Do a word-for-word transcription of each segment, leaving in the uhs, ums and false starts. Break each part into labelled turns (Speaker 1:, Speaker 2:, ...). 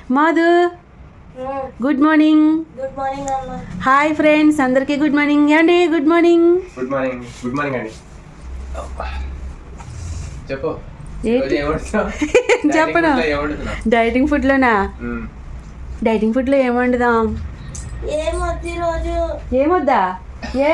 Speaker 1: మాధు good morning.
Speaker 2: Good morning అమ్మ.
Speaker 1: Hi friends, అందరికీ good morning అండి. Good morning.
Speaker 3: Good morning. Good morning అండి. చెప్పు.
Speaker 1: చెప్పను. డైటింగ్ ఫుడ్లోనా? డైటింగ్ ఫుడ్లో ఏం వండుదాం?
Speaker 2: ఏమొద్దు ఈరోజు.
Speaker 1: ఏమొద్దా? ఏ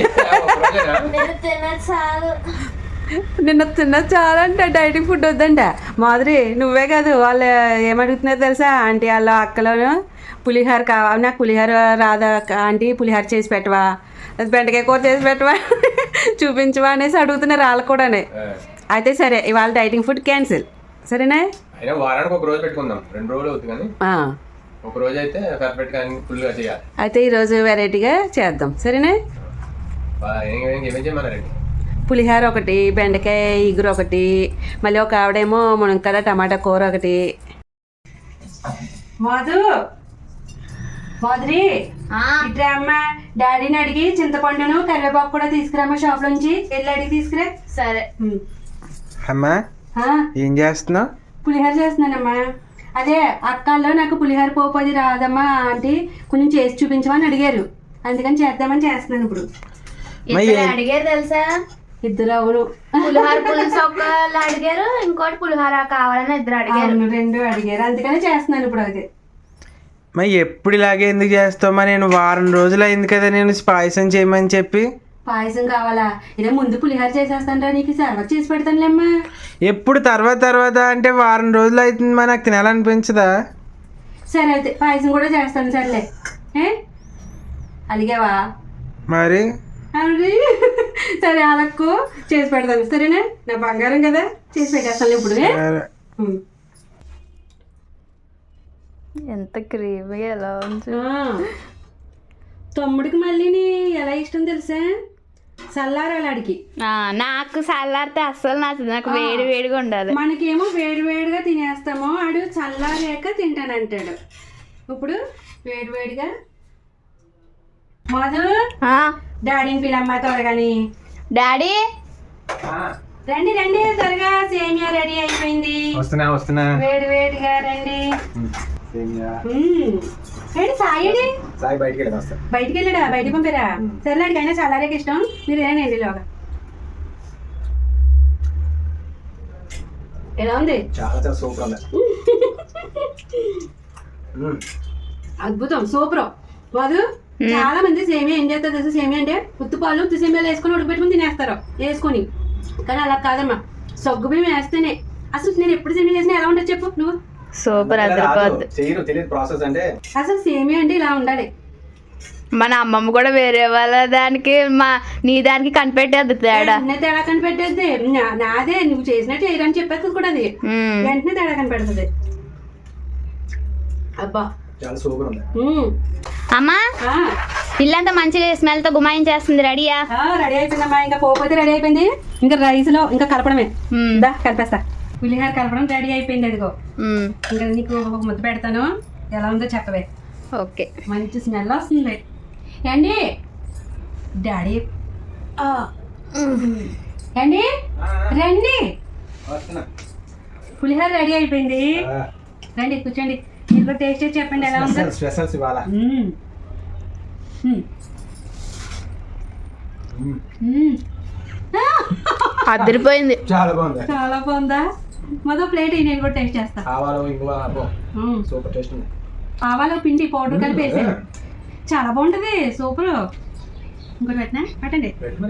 Speaker 2: తిన చాలు.
Speaker 1: నిన్న తిన్న చాలా అంటే డైటింగ్ ఫుడ్ వద్దంట. మాధురి, నువ్వే కాదు, వాళ్ళు ఏమడుగుతున్నారో తెలుసా? ఆంటీ వాళ్ళ అక్కలోను పులిహోర కావాలి, నాకు పులిహోర రాదా ఆంటీ, పులిహోర చేసి పెట్టవా, బెండకాయ కూర చేసి పెట్టవా, చూపించవా అనేసి అడుగుతున్నారు వాళ్ళు కూడానే. అయితే సరే, ఇవాళ డైటింగ్ ఫుడ్ క్యాన్సిల్, సరేనా?
Speaker 3: అయినా వారానికి ఒక రోజు పెట్టుకుందాం, రెండు రోజులు అవుతుంది కానీ ఒక రోజు అయితే పర్ఫెక్ట్ గా ఫుల్గా చేయాలి.
Speaker 1: అయితే ఈరోజు వెరైటీగా చేద్దాం, సరేనా?
Speaker 3: ఏమేం చేయమన్నారండి?
Speaker 1: పులిహోర ఒకటి, బెండకాయ ఇగురు ఒకటి, మళ్ళీ ఒక ఆవిడేమో మునక్కాడ టమాటా కూర ఒకటి. మాధు, మాధురి ఇట్రా అమ్మ, డాడీని అడిగి చింతపండును కరివేపాకు కూడా తీసుకురామ్మా, షాప్ నుంచి వెళ్ళి అడిగి తీసుకురా.
Speaker 2: సరే
Speaker 4: అమ్మా, ఏం చేస్తున్నావు?
Speaker 1: పులిహోర చేస్తున్నానమ్మా. అదే అక్కల్లో నాకు పులిహోర పోపు అది రాదమ్మా ఆంటీ, కొంచెం చేసి చూపించమని అడిగారు, అందుకని చేద్దామని చేస్తున్నాను ఇప్పుడు.
Speaker 2: అడిగారు తెలుసా?
Speaker 1: ఇద్దరు. అవును,
Speaker 2: పులిహోర పులుసు ఒకళ్ళు అడిగారు, ఇంకోటి పులిహోర కావాలని ఇద్దరు అడిగారు.
Speaker 1: రెండు అడిగారు, అందుకని చేస్తున్నాను ఇప్పుడు. అది
Speaker 4: మరి ఎప్పుడు ఇలాగే ఎందుకు చేస్తావమ్మా? నేను వారం రోజులు అయింది కదా నేను పాయసం చేయమని చెప్పి.
Speaker 1: పాయసం కావాలా? ఇదే ముందు పులిహోర చేసేస్తాను, నీకు సర్వత్ చేసి పెడతానులేమ్మా.
Speaker 4: ఎప్పుడు తర్వాత తర్వాత అంటే వారం రోజులు అవుతుందమ్మా, నాకు తినాలనిపించదా?
Speaker 1: సరే అయితే పాయసం కూడా చేస్తాను, సర్లే. ఏ అలిగావా
Speaker 4: మరి?
Speaker 1: అవును, సరే అలక్కు చేసి పెడతాను, సరేనా? నా బంగారం కదా, చేసి పెట్టేస్తాను ఇప్పుడు.
Speaker 2: ఎంత క్రీమీ ఎలా ఉంది.
Speaker 1: తమ్ముడికి మళ్ళీ ఎలా ఇష్టం తెలుసా? చల్లారాడికి.
Speaker 2: నాకు చల్లారితే అస్సలు నచ్చదు, నాకు వేడి వేడిగా ఉండాలి.
Speaker 1: మనకేమో వేడి వేడిగా తినేస్తామో, ఆడు చల్లారాక తింటానంటాడు. ఇప్పుడు వేడి వేడిగా. మాధు, డాడీని పిలమ్మా త్వరగాని.
Speaker 2: డాడీ
Speaker 1: రండి రండి త్వరగా, సేమియా రెడీ అయిపోయింది.
Speaker 3: వస్తున్నా వస్తున్నా.
Speaker 1: వేడి వేడిగా రండి. సాయి
Speaker 3: సాయి బయటికి వెళ్ళి వస్తా.
Speaker 1: బయటికి వెళ్ళాడా? బయటికి పంపారా? సరేలాడికి అయినా చల్లారేకి ఇష్టం, మీరు ఏనండి లోగా. ఎలా ఉంది?
Speaker 3: చాలా చాలా సూపర్ ఉంది.
Speaker 1: అద్భుతం, సూపర్. కాదు, చాలా మంది సేమియా ఏం చేస్తారు తెలుసు? సేమియా అంటే ఉత్తి పాలు ఉత్తి సేమియాలు వేసుకొని ఉడకబెట్టుకుని తినేస్తారు వేసుకొని, కానీ అలా కాదమ్మా, సగ్గు బియ్యం వేస్తేనే. అసలు నేను ఎప్పుడు సేమియా చేసినా ఎలా ఉంటుంది చెప్పు నువ్వు?
Speaker 2: సూపర్.
Speaker 3: ప్రాసెస్ అంటే
Speaker 1: అసలు సేమియా అంటే ఇలా ఉండాలి.
Speaker 2: మన అమ్మమ్మ కూడా వేరే వాళ్ళ దానికి మా నీ దానికి కనిపెట్టేది తేడా.
Speaker 1: తేడా కనిపెట్టేది నాదే, నువ్వు చేసినట్టు చేయరని చెప్పేది కూడా, అది వెంటనే తేడా కనిపెడుతుంది. అబ్బా
Speaker 3: చాలా సూపర్ ఉంది.
Speaker 2: అమ్మా, ఇల్లంతా మంచిగా స్మెల్ తో గుమాయించేస్తుంది. రెడీయా?
Speaker 1: రెడీ అయిపోయిందమ్మా, ఇంకా పోతే రెడీ అయిపోయింది, ఇంకా రైస్ లో ఇంకా కలపడమే. దా కలిపేస్తా. పులిహోర కలపడం రెడీ అయిపోయింది, అదిగో. ఇంకా నీకు ఒక ముద్ద పెడతాను, ఎలా ఉందో చెప్పవే.
Speaker 2: ఓకే.
Speaker 1: మంచి స్మెల్ వస్తుంది. ఏండి డాడీ, ఏండి రండి, పులిహోర రెడీ అయిపోయింది, రండి కూర్చోండి. మీరు టేస్ట్ చేసి చెప్పండి ఎలా ఉందో.
Speaker 3: స్పెషల్స్ ఇవాళ.
Speaker 2: అదిరిపోయింది.
Speaker 3: చాలా బాగుంది.
Speaker 1: చాలా బాగుందా? మొదటి ప్లేట్ నేను కూడా టేస్ట్ చేస్తా.
Speaker 3: ఆవాలు ఇంగువ సూపర్ టేస్ట్ ఉంది.
Speaker 1: ఆవాలు పిండి పౌడర్ కలిపి వేసాను, చాలా బాగుంటది, సూపర్. ఇంకోటి పెట్టినా పెట్టండి.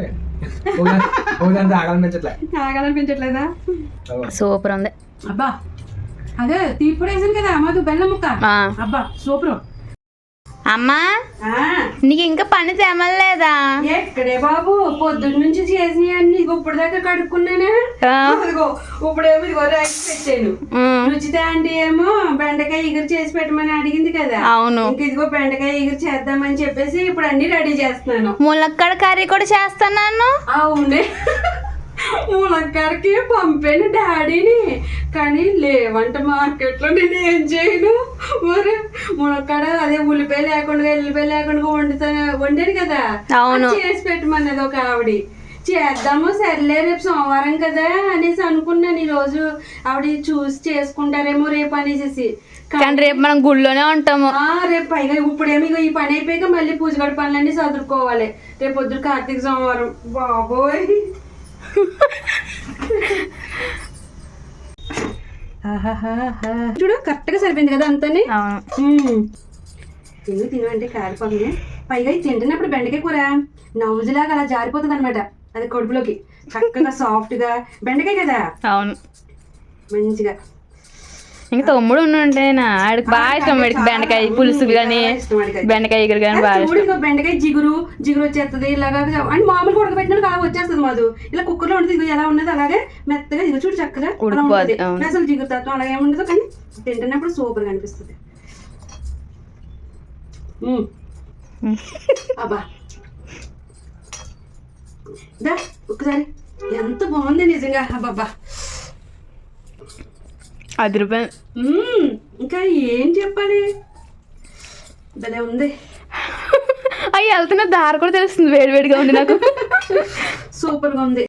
Speaker 1: ఆగాలనిపించట్లేదా?
Speaker 2: సూపర్ ఉంది.
Speaker 1: అబ్బా, అదే తీపి వేసాను కదా మాకు, బెల్లం ముక్క. అబ్బా సూపర్.
Speaker 2: అమ్మా, నీకు ఇంకా పని తెమలేదా?
Speaker 1: ఎక్కడే బాబు, పొద్దున్న నుంచి చేసినవి అన్ని ఇప్పుడు దాకా కడుక్కున్నానే. ఇప్పుడేమో ఇదిగో రైస్ పెట్టాను. రుచిత ఆంటీ ఏమో బెండకాయ ఇగురు చేసి పెట్టమని అడిగింది కదా.
Speaker 2: అవును.
Speaker 1: ఇంక ఇదిగో బెండకాయ ఇగురు చేద్దామని చెప్పేసి ఇప్పుడు అన్ని రెడీ చేస్తున్నాను.
Speaker 2: ములక్కడ కర్రీ కూడా చేస్తున్నాను.
Speaker 1: అవునే, ములక్కడికి పంపాను డాడీని, కానీ లేవంట మార్కెట్లో. నేను ఏం చేయను మరి? ములక్కడ అదే ఉల్లిపాయ లేకుండా ఎల్లిపాయ లేకుండా వండుతాను, వండాను కదా, చేసి పెట్టమన్నది ఒక ఆవిడ. చేద్దాము సర్లే రేపు సోమవారం కదా అనేసి అనుకున్నాను. ఈరోజు ఆవిడ చూసి చేసుకుంటారేమో రేపు అనేసి
Speaker 2: కానీ రేపు మనం గుళ్ళోనే ఉంటాము.
Speaker 1: ఆ, రేపు పైగా ఇప్పుడేమి ఇగో ఈ పని అయిపోయాక మళ్ళీ పూజ గడి పనులన్నీ చదువుకోవాలి. రేపు పొద్దున కార్తీక సోమవారం. బాబోయ్. ఆహాహాహా. చూడు కరెక్ట్ గా సరిపోయింది కదా అంతని.
Speaker 2: అవును.
Speaker 1: తిను తిను అంటే కారిపోతుంది. పైగా ఇది తింటున్నప్పుడు బెండకాయ కూర నవ్వులాగా అలా జారిపోతుంది అనమాట. అది కడుపులోకి చక్కగా సాఫ్ట్ గా బెండకాయ కదా.
Speaker 2: అవును.
Speaker 1: మంచిగా
Speaker 2: ఇంకా తమ్ముడు ఉంటేనా ఆడికి బాగా ఇష్టం. వాడికి బెండకాయ పులుసు కానీ బెండకాయ ఎగురు కానీ బాగా
Speaker 1: చూడు ఇంకో బెండకాయ జిగురు జిగురు వచ్చేస్తుంది ఇలాగా. అంటే మామూలుగా ఉడకబెట్టినట్టు అలా వచ్చేస్తుంది మాదు. ఇలా కుక్కర్ లో ఉంటుంది ఎలా ఉన్నది అలాగే మెత్తగా ఇదిగో చూడు చక్కగా
Speaker 2: ఉడికిపోద్ది.
Speaker 1: అసలు జిగురు తత్వం అలాగే ఉండదు కానీ తింటున్నప్పుడు సూపర్ గా అనిపిస్తుంది. అబ్బా దా ఒక్కసారి ఎంత బాగుంది నిజంగా. అబ్బాబ్బా
Speaker 2: అది రూపాయలు.
Speaker 1: ఇంకా ఏం చెప్పాలి, భలే ఉంది.
Speaker 2: అవి వెళ్తున్న దారి కూడా తెలుస్తుంది, వేడివేడిగా ఉంది నాకు.
Speaker 1: సూపర్ గా ఉంది.